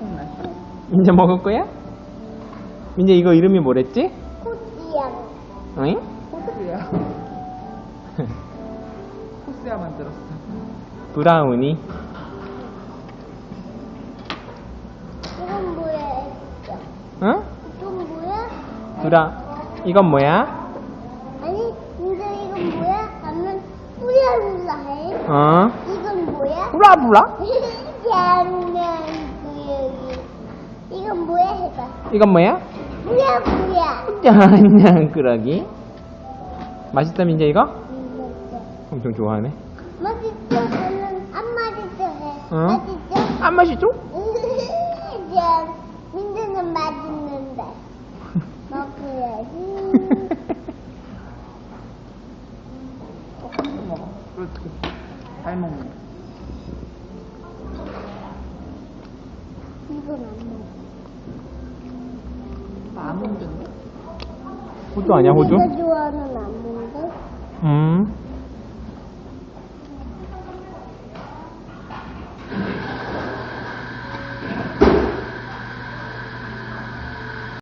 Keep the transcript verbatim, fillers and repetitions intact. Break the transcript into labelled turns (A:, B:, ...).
A: 들통날.
B: 민재 먹을 거야? 민재 이거 이름이 뭐랬지?
C: 코지야.
B: 응?
A: 코스야. 코스야 만들었어.
B: 브라우니.
C: 이건 뭐야?
B: 응?
C: 이건 뭐야?
B: 브라. 이건 뭐야?
C: 아니, 근데 이건 뭐야? 하면 뿌야불라 해.
B: 어?
C: 이건 뭐야?
B: 브라브라?
C: 장난꾸러기. 이건 뭐야? 해봐.
B: 이건 뭐야?
C: 뭐야, 뭐야?
B: 짠냥꾸러기. 맛있다 민재 이거?
C: 음,
B: 엄청 좋아하네.
C: 맛있죠? 저는 안 맛있죠? 해.
B: 응?
C: 맛있죠?
B: 안 맛있죠?
C: 짠. 민트는 맛있는데. 먹어야지.
A: 조금씩 먹어. 그렇지. 잘 먹네.
C: 이건 안 먹어.
A: 아몬드인데?
B: 호주 아니야 호주?
C: 내가 좋아하는 아몬드?
B: 음.